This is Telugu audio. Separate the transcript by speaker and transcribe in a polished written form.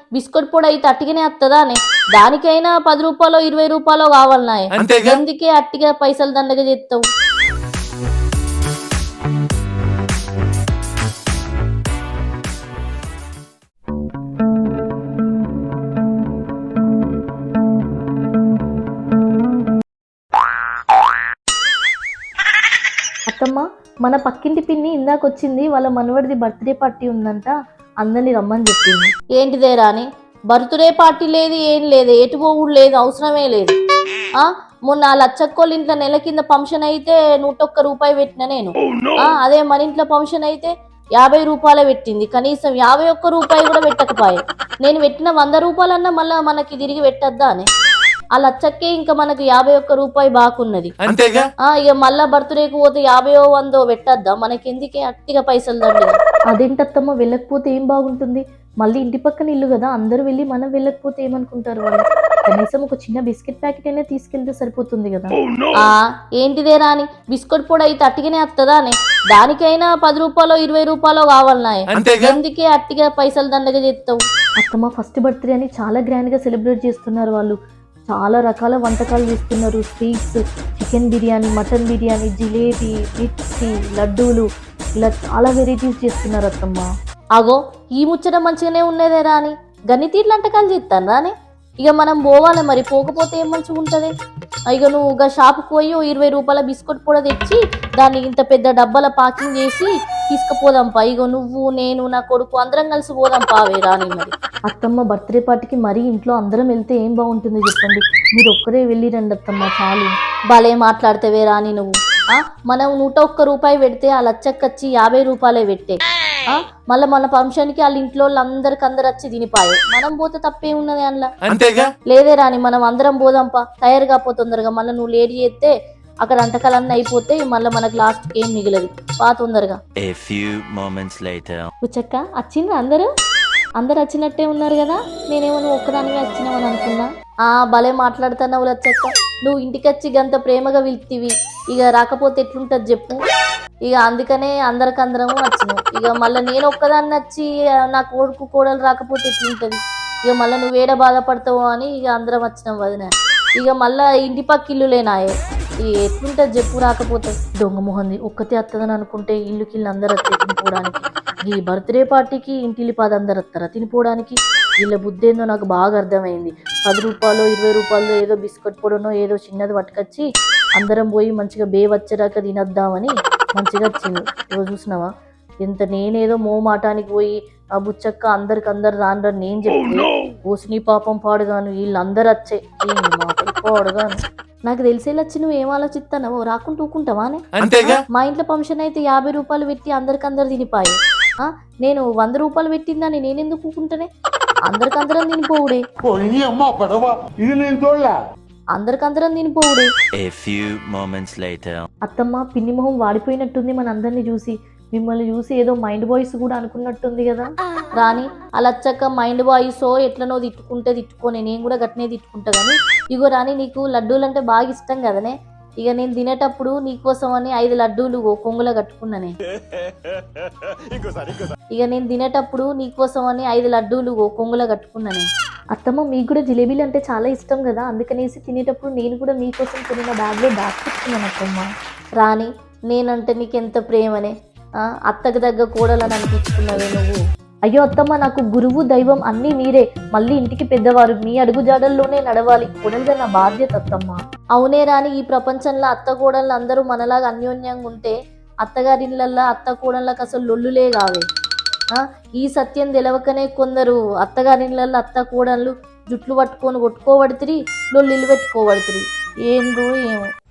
Speaker 1: బిస్కెట్ పొడి అయితే అట్టిగానే వస్తుందా అని దానికైనా 10 రూపాయలు 20 రూపాయలు కావాలన్నాయి అందుకే అట్టిగా పైసలు దండగా చేస్తావు. అత్తమ్మ, మన పక్కింటి పిన్ని ఇందాకొచ్చింది, వాళ్ళ మనవడిది బర్త్డే పార్టీ ఉందంట, అందరినీ రమ్మని చెప్పింది. ఏంటిదే రాని, బర్త్డే పార్టీ లేదు, ఏం లేదు, ఎటు పోవుడు లేదు, అవసరమే లేదు. మొన్న లచ్చక్కోళ్ళ ఇంట్లో నెల కింద ఫంక్షన్ అయితే 101 రూపాయి పెట్టిన నేను. అదే మన ఇంట్లో ఫంక్షన్ అయితే 50 రూపాయలే పెట్టింది, కనీసం 51 రూపాయి కూడా పెట్టకపోయే. నేను పెట్టిన 100 రూపాయలన్నా మళ్ళా మనకి తిరిగి పెట్టద్దా అని. ఆ లచ్చక్కే ఇంకా మనకు 51 రూపాయి బాకున్నది. ఇక మళ్ళా బర్త్డేకి పోతే 50 100 పెట్టద్దా, మనకి ఎందుకే అట్టిగా పైసలు దండి. అదేంటత్తమ్మ, వెళ్ళకపోతే ఏం బాగుంటుంది, మళ్ళీ ఇంటి పక్కన ఇల్లు కదా, అందరూ వెళ్ళి మనం వెళ్ళకపోతే ఏమనుకుంటారు వాళ్ళు. కనీసం ఒక చిన్న బిస్కెట్ ప్యాకెట్ అయినా తీసుకెళ్తే సరిపోతుంది కదా. ఏంటిదే రాని, బిస్కెట్ పొడి అయితే అట్టిగానే వస్తుందా అని దానికైనా 10 రూపాయలు 20 రూపాయలు కావాలన్నాయి అందుకే అట్టిగా పైసలు దండగా చేస్తావు. అత్తమ్మ, ఫస్ట్ బర్త్డే అని చాలా గ్రాండ్ గా సెలబ్రేట్ చేస్తున్నారు వాళ్ళు. చాలా రకాల వంటకాలు చేస్తున్నారు, sweets, chicken biryani, mutton biryani, jalebi, mirchi, లడ్డూలు, ఇలా చాలా వెరైటీస్ చేస్తున్నారు అత్తమ్మ. అగో ఈ ముచ్చట మంచిగానే ఉన్నదే రాని, గన్ని తీర్లు వంటకాలు చేస్తాను రాని. ఇక మనం పోవాలి మరి, పోకపోతే ఏం మంచిగా ఉంటుంది. ఇక నువ్వు ఇక షాపుకి పోయి 20 రూపాయల బిస్కెట్ పొడి తెచ్చి దాన్ని ఇంత పెద్ద డబ్బాల ప్యాకింగ్ చేసి తీసుకుపోదాంపా. ఇగో నువ్వు, నేను, నా కొడుకు అందరం కలిసి పోదాంపా అవే రాని. మరి అత్తమ్మ, బర్త్డే పార్టీకి మరీ ఇంట్లో అందరం వెళ్తే ఏం బాగుంటుంది చెప్పండి, మీరు ఒక్కరే వెళ్ళి రండి అత్తమ్మ చాలు. భలే మాట్లాడితేవే రాని నువ్వు. మనం 101 రూపాయి పెడితే ఆ లచ్చక్కచ్చి 50 రూపాయలే పెట్టే. మళ్ళీ మన ఫంక్షన్కి వాళ్ళ ఇంట్లో అందరికి అందరు వచ్చి తినిపాయి, మనం పోతే తప్పే ఉన్నది అందులో. లేదే రాని, మనం అందరం పోదాంపా, తయారు కాపో తొందరగా, మళ్ళీ నువ్వు లేట్ చేస్తే అక్కడ వంటకాలన్నీ అయిపోతాయి, మళ్ళీ మనకు లాస్ట్ ఏం మిగిలదు, పా తొందరగా. ఉచ్చక్క వచ్చిండ్రా అందరు వచ్చినట్టే ఉన్నారు కదా, నేనేమో నువ్వు ఒక్కదానిగా వచ్చినావని అనుకున్నా. భలే మాట్లాడుతున్నావు లచ్చక్క, నువ్వు ఇంటికి వచ్చి గంత ప్రేమగా పిలిచివి, ఇక రాకపోతే ఎట్లుంటది చెప్పు. ఇక అందుకనే అందరికందరము వచ్చినావు. ఇక మళ్ళీ నేను ఒక్కదాన్ని వచ్చి నా కొడుకు కోడలు రాకపోతే ఎట్లుంటది, ఇక మళ్ళీ నువ్వు ఏడ బాధపడతావు అని ఇక అందరం వచ్చినాం వదిన. ఇక మళ్ళీ ఇంటి పక్క ఇల్లులేనాయే, ఎట్లుంటది చెప్పు రాకపోతే. దొంగ మొహంది, ఒక్కతే వస్తుందని అనుకుంటే ఇల్లుకి అందరు వస్తే తినిపోవడానికి, ఈ బర్త్డే పార్టీకి ఇంటిల్లి 10 అందరు వస్తారా తినిపోవడానికి. వీళ్ళ బుద్ధి ఏందో నాకు బాగా అర్థమైంది. 10 రూపాయలు 20 రూపాయలు ఏదో బిస్కెట్ పొడనో ఏదో చిన్నది పట్టుకొచ్చి అందరం పోయి మంచిగా వచ్చేదాకా తినద్దామని మంచిగా వచ్చింది. ఇవ్వ చూసినావా ఎంత, నేనేదో మోమాటానికి పోయి ఆ బుచ్చక్క అందరు రాను నేను చెప్తే ఓసిని పాపం పాడుగాను, వీళ్ళందరూ వచ్చే పాడుగాను. నాకు తెలిసేలా వచ్చి నువ్వు ఏం ఆలోచిస్తానో, రాకుండా ఊకుంటావానే. మా ఇంట్లో ఫంక్షన్ అయితే 50 రూపాయలు పెట్టి అందరు తినిపాయి, నేను 100 రూపాయలు పెట్టిందని నేనెందుకు ఊకుంటానే, అందరికందరం తినిపోవుడే, అందరికందరం తినిపోవుడే. అత్తమ్మ, పిన్ని మొహం వాడిపోయినట్టుంది మన అందరినీ చూసి, మిమ్మల్ని చూసి ఏదో మైండ్ బాయ్స్ కూడా అనుకున్నట్టుంది కదా. రాని అలా వచ్చాక మైండ్ బాయ్సో ఎట్లనో తిట్టుకోనే, నేను కూడా గట్నే తిట్టుకుంటా కానీ. ఇగో రాని, నీకు లడ్డూలు అంటే బాగా ఇష్టం కదనే, ఇక నేను తినేటప్పుడు నీకోసం అని 5 లడ్డూలు కొంగులో కట్టుకున్నానే. ఇక నేను తినేటప్పుడు నీకోసం అని 5 లడ్డూలు కొంగులో కట్టుకున్నానే. అత్తమ్మ, మీకు కూడా జిలేబీలు అంటే చాలా ఇష్టం కదా, అందుకనేసి తినేటప్పుడు నేను కూడా మీకోసం కొనిన బ్యాగ్లో దాచుకున్నాను అత్తమ్మ. రాని, నేనంటే నీకెంత ప్రేమనే, అత్తకు దగ్గర కోడలని అనిపించుకున్నావే నువ్వు. అయ్యో అత్తమ్మ, నాకు గురువు దైవం అన్నీ మీరే, మళ్ళీ ఇంటికి పెద్దవారు, మీ అడుగు జాడల్లోనే నడవాలి, కోడలుగా నా బాధ్యత అత్తమ్మ. అవునే రాని, ఈ ప్రపంచంలో అత్త కోడళ్ళు అందరూ మనలాగా అన్యోన్యంగా ఉంటే అత్తగారిళ్ళల్లో అత్త కోడళ్ళకి అసలు లొల్లులే కావే. ఈ సత్యం తెలవకనే కొందరు అత్తగారిళ్ళల్లో అత్త కోడళ్ళు జుట్లు పట్టుకొని కొట్టుకోబడుతురి, లొల్లిలు పెట్టుకోబడుతురి, ఏందో ఏమో.